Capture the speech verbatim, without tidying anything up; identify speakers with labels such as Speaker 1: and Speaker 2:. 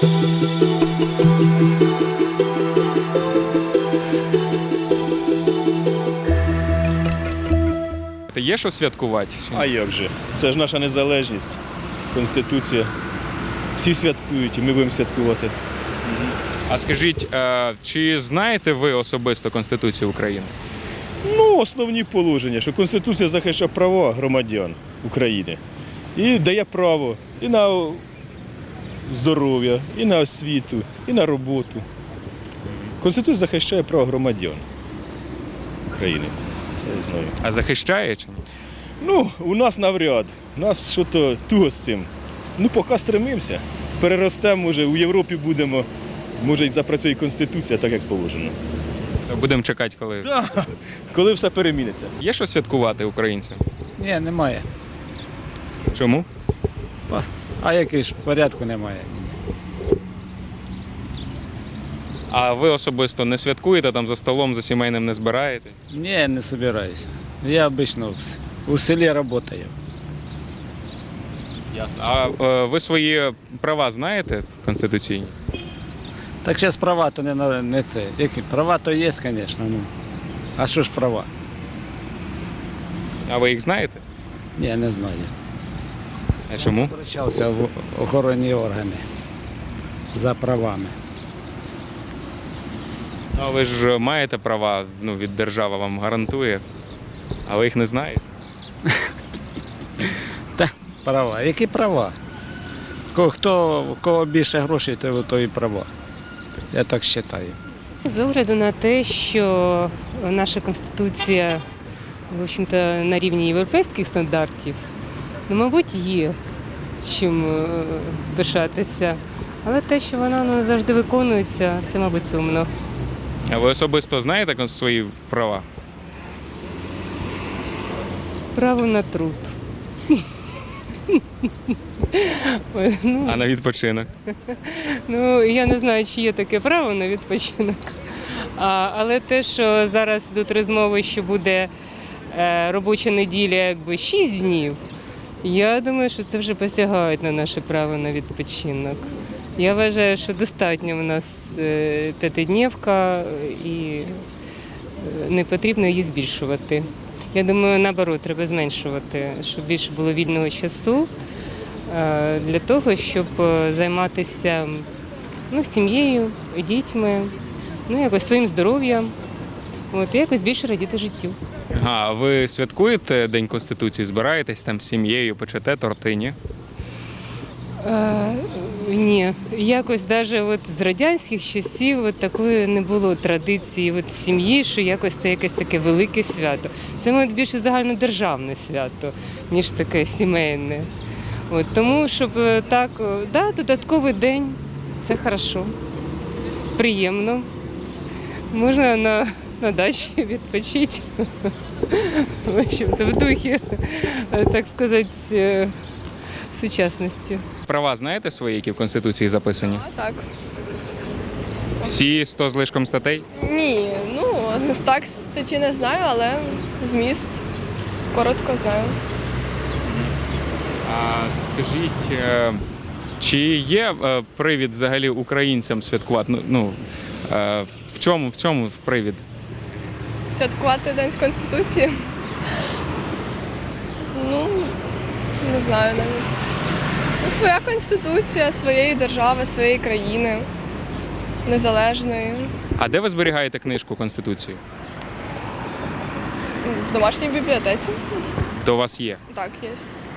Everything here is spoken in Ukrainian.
Speaker 1: Є що святкувати?
Speaker 2: А як же? Це ж наша незалежність, Конституція. Всі святкують і ми будемо святкувати.
Speaker 1: А скажіть, чи знаєте ви особисто Конституцію України?
Speaker 2: Ну, основні положення, що Конституція захищає права громадян України і дає право і на здоров'я, і на освіту, і на роботу. Конституція захищає права громадян України. Це я знаю.
Speaker 1: А захищає чи ні?
Speaker 2: Ну, у нас навряд. У нас що-то туго з цим. Ну, поки стремимося. Переростемо, може, у Європі будемо, може, і запрацює Конституція так, як положено.
Speaker 1: То будемо чекати, коли.
Speaker 2: Так, коли все переміниться.
Speaker 1: Є що святкувати українцям?
Speaker 3: Ні, немає.
Speaker 1: Чому?
Speaker 3: А який ж порядку немає?
Speaker 1: А ви особисто не святкуєте, там за столом, за сімейним не збираєтесь?
Speaker 3: Ні, не збираюся. Я обично в с- у селі працюю.
Speaker 1: Ясно. А е, ви свої права знаєте конституційні?
Speaker 3: Так зараз права то не, на- не це. Які? Права то є, звісно. Ну. А що ж права?
Speaker 1: А ви їх знаєте?
Speaker 3: Ні, не знаю.
Speaker 1: А чому?
Speaker 3: Обращався в охоронні органи за правами.
Speaker 1: Ну, ви ж маєте права, ну, від держави вам гарантує, а ви їх не знаєте?
Speaker 3: Та, права. Які права? Ко- Хто, у кого більше грошей, то, то і права. Я так вважаю.
Speaker 4: З огляду на те, що наша Конституція, в общем-то, на рівні європейських стандартів, ну, мабуть, є чим е, пишатися. Але те, що вона не завжди виконується, це, мабуть, сумно.
Speaker 1: А ви особисто знаєте кон- свої права?
Speaker 4: Право на труд. Ой, ну,
Speaker 1: А на відпочинок?
Speaker 4: Ну, я не знаю, чи є таке право на відпочинок. А, але те, що зараз йдуть розмови, що буде е, робоча неділя якби шість днів, я думаю, що це вже посягають на наше право на відпочинок. Я вважаю, що достатньо в нас е, п'ятиднівка і е, не потрібно її збільшувати. Я думаю, наоборот, треба зменшувати, щоб більше було вільного часу е, для того, щоб е, займатися ну, сім'єю, дітьми, ну, якось своїм здоров'ям, от, і якось більше радіти життю.
Speaker 1: Ага, а ви святкуєте День Конституції, збираєтесь там з сім'єю, печете торти, ні?
Speaker 4: Е, ні, якось навіть от з радянських часів от такої не було традиції от в сім'ї, що якось це якесь таке велике свято. Це мабуть, більше загальнодержавне свято, ніж таке сімейне. От, тому, щоб е, так, е, да, додатковий день, це хорошо, приємно. Можна на, на дачі відпочити, в общем-то, в духі, е, так сказати, е, сучасності.
Speaker 1: Права знаєте свої, які в Конституції записані?
Speaker 5: А, так.
Speaker 1: Всі сто з лишком статей?
Speaker 5: Ні, ну так статті не знаю, але зміст коротко знаю.
Speaker 1: А скажіть, е, чи є е, привід взагалі українцям святкувати? Ну, Ну, е, в чому, в чому привід?
Speaker 5: Святкувати День Конституції. Ну, не знаю навіть. Ну, своя конституція, своєї держави, своєї країни, незалежної.
Speaker 1: А де ви зберігаєте книжку Конституції?
Speaker 5: В домашній бібліотеці.
Speaker 1: То у вас є.
Speaker 5: Так, є.